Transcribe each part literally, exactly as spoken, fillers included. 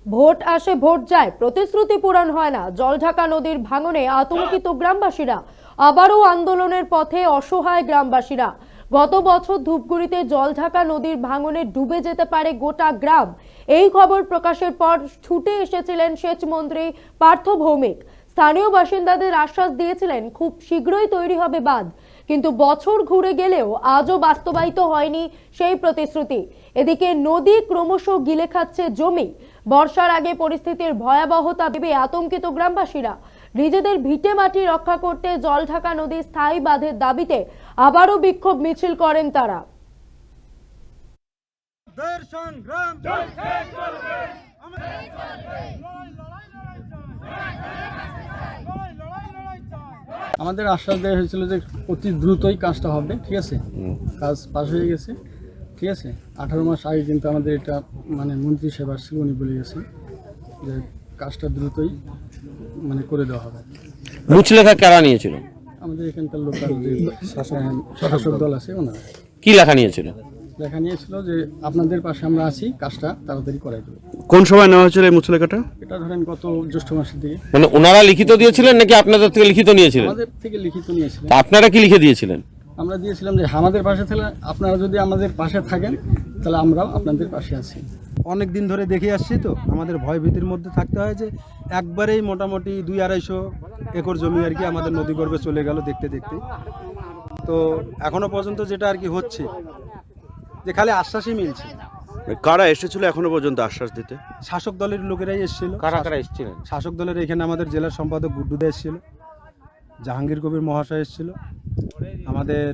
Vote আসে vote যায়, প্রতিশ্রুতি পূরণ হয় না। জলঢাকা নদীর ভাঙনে আতঙ্কিত গ্রামবাসীরা, আবারও আন্দোলনের পথে অসহায় গ্রামবাসীরা। গত বছর ধূপগুড়িতে জলঢাকা নদীর ভাঙনে ডুবে যেতে পারে গোটা গ্রাম। এই খবর প্রকাশের পর ছুটে এসেছিলেন সেচ মন্ত্রী পার্থ ভৌমিক। স্থানীয় বাসিন্দাদের আশ্বাস দিয়েছিলেন খুব শীঘ্রই তৈরি হবে বাঁধ, কিন্তু বছর ঘুরে গেলেও আজও বাস্তবায়িত হয়নি সেই প্রতিশ্রুতি। এদিকে নদী ক্রমশ গিলে খাচ্ছে জমি। বর্ষার আগে পরিস্থিতির ভয়াবহতা ভেবে আতঙ্কিত গ্রামবাসীরা। নিজেদের ভিটে মাটি রক্ষা করতে জলঢাকা নদীর স্থায়ী বাঁধের দাবিতে আবারও বিক্ষোভ মিছিল করেন তারা। আমাদের আশ্বাস দেওয়া হয়েছিল যে অতি দ্রুতই কাজটা হবে, ঠিক আছে। কাজ পাস হয়ে গেছে, ঠিক আছে। আঠারো মাস আগে কিন্তু আমাদের এটা মানে মন্ত্রী সেবা ছিল, উনি বলে গেছেন যে কাজটা দ্রুতই মানে করে দেওয়া হবে। মুচলেখা কারা নিয়েছিল? আমাদের এখানকার লোকাল যে শাসক দল আছে ওনারা। কি লেখা নিয়েছিল? লেখা নিয়েছিল যে আপনাদের পাশে আমরা আছি, কাজটা তাড়াতাড়ি করাই দেবো। কোন সময় নেওয়া হয়েছিল এই মুচলেখাটা? এটা ধরেন গত জ্যৈষ্ঠ মাসের দিকে। মানে ওনারা লিখিত দিয়েছিলেন নাকি আপনাদের থেকে লিখিত নিয়েছিলেন? আমাদের থেকে লিখিত নিয়েছিলেন। তা আপনারা কি লিখে দিয়েছিলেন? আমরা দিয়েছিলাম যে আমাদের পাশে থাকলে, আপনারা যদি আমাদের পাশে থাকেন তাহলে আমরাও আপনাদের পাশে আছি। অনেক দিন ধরে দেখে আসছি, তো আমাদের ভয় ভীতির মধ্যে থাকতে হয় যে একবারেই মোটামুটি দুই আড়াইশো একর জমি আর কি আমাদের নদী গর্ভে চলে গেল দেখতে দেখতে। তো এখনো পর্যন্ত যেটা আর কি হচ্ছে যে খালি আশ্বাসই মিলছে। কারা এসেছিল এখনো পর্যন্ত আশ্বাস দিতে? শাসক দলের লোকেরাই এসেছিল। কারা কারা এসেছিলেন? শাসক দলের এখানে আমাদের জেলার সম্পাদক গুড্ডুদা এসেছিল, জাহাঙ্গীর কবির মহাশয় এসেছিল, আমাদের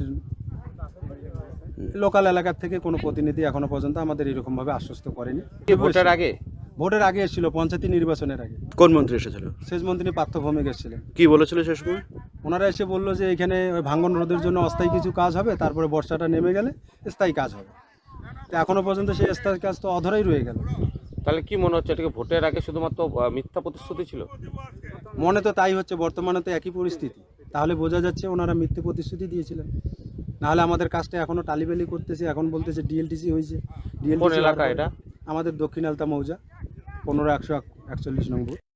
লোকাল এলাকার থেকে কোনো প্রতিনিধি এখনো পর্যন্ত আমাদের এরকমভাবে আশ্বস্ত করেনি। ভোটের আগে? ভোটের আগে এসেছিল, পঞ্চায়েত নির্বাচনের আগে। কোন মন্ত্রী এসেছিল? সেচ মন্ত্রী পার্থ ভৌমিক এসেছিলেন। কি বলেছিল সে সময়? ওনারা এসে বললো যে এখানে ওই ভাঙ্গন রোধের জন্য অস্থায়ী কিছু কাজ হবে, তারপরে বর্ষাটা নেমে গেলে স্থায়ী কাজ হবে। তো এখনো পর্যন্ত সেই স্থায়ী কাজ তো অধরাই রয়ে গেল। তাহলে কি মনে হচ্ছে এটাকে ভোটের আগে শুধুমাত্র আহ, মিথ্যা প্রতিশ্রুতি ছিল? মনে তো তাই হচ্ছে, বর্তমানে তো একই পরিস্থিতি। তাহলে বোঝা যাচ্ছে ওনারা মিথ্যে প্রতিশ্রুতি দিয়েছিলেন। নাহলে আমাদের কাজটা এখনো টালিবালি করতেছে, এখন বলতেছে ডিএলটিসি হয়েছে। কোন এলাকা এটা? আমাদের দক্ষিণ আলতা মৌজা, পনেরো একশো একচল্লিশ নম্বর।